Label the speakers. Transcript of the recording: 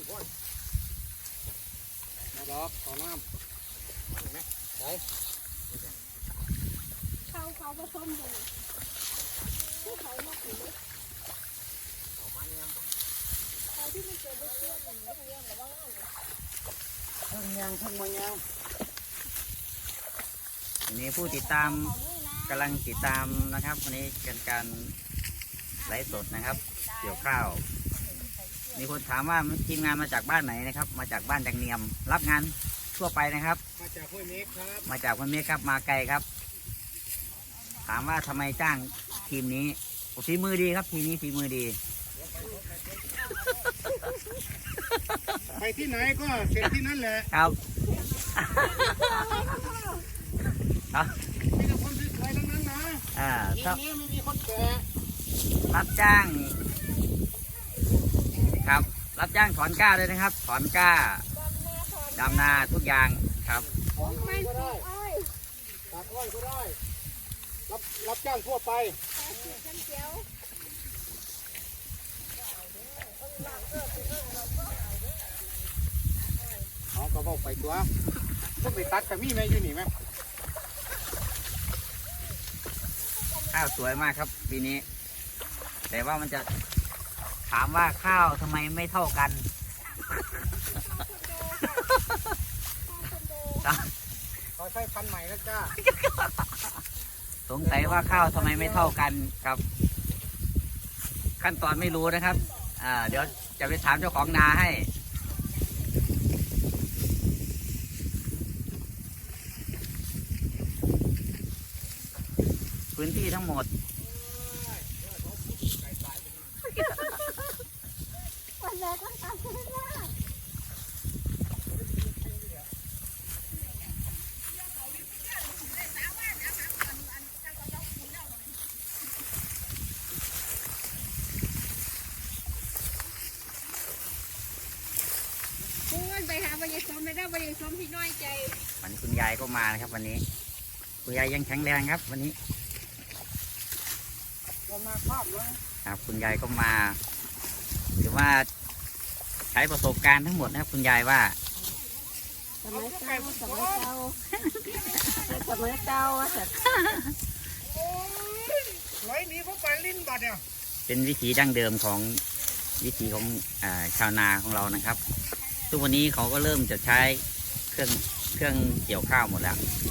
Speaker 1: มาดอกขอน้ำเห็นไหมใช่
Speaker 2: เขาผสมอยู่ที่เขามาถึงเขาที่มันเกิดเรื่องอย่างนี้เรื่องแบบว่า
Speaker 1: ทั้งยางทั้งมายาง
Speaker 3: วันนี้ผู้ติดตามกำลังติดตามนะครับวันนี้เป็นการไลฟ์สดนะครับเกี่ยวข้าวมีคนถามว่าทีมงานมาจากบ้านไหนนะครับมาจากบ้านจังเนียมรับงานทั่วไปนะครับ
Speaker 1: มาจากห้วยเมฆครับ
Speaker 3: มาจากห้วยเมฆครับมาไกลครับถามว่าทำไมจ้างทีมนี้ฝีมือดีครับทีมนี้ฝีมือดี
Speaker 1: ไปที่ไหนก็เสร็จที่นั่นแหละ
Speaker 3: ครับ
Speaker 1: มีแต่คนสวยๆทั้งนั้นนะทีนี้ไม่มีคนแก่
Speaker 3: รับจ้างครับรับจ้างถอนกล้าด้วยนะครับถอนกล้าดำนาทุกอย่างครับ
Speaker 1: ไม่ก็ได้ตัดอ้อยก็ได้รับจ้างทั่วไปเขาก็บอกไปตัวต้องไปตัดกับมีไหมอยู่นี่ไหม
Speaker 3: ข้าวสวยมากครับปีนี้แต่ว่ามันจะถามว่าข้าวทำไมไม่เท่ากัน
Speaker 1: ขอใช้พันธุ์ใหม่แล้วจ้า
Speaker 3: สงสัยว่าข้าวทำไมไม่เท่ากันครับขั้นตอนไม่รู้นะครับเดี๋ยวจะไปถามเจ้าของนาให้พื้นที่ทั้งหมด
Speaker 2: วันแรกก็ตามเพื่อนว่าไปหาใบยายส้มไม่ได้ใบยายส้มที่น้อยใจ
Speaker 3: วันนี้คุณยายก็มานะครับวันนี้คุณยายยังแข็งแรงครับวันนี้
Speaker 1: มาครอบแล้ว
Speaker 3: ครับคุณยายก็มาถือว่าใช้ประสบการณ์ทั้งหมดนะครับคุณยายว่า
Speaker 2: สมัยเก่าสมัยเก่าสมัยเก่าแต่
Speaker 1: ไรนี้พวกปลาลิ้นบาดเนี่ย
Speaker 3: เป็นวิถีดั้งเดิมของวิถีของชาวนาของเรานะครับทุกวันนี้เขาก็เริ่มจะใช้เครื่องเกี่ยวข้าวหมดแล้ว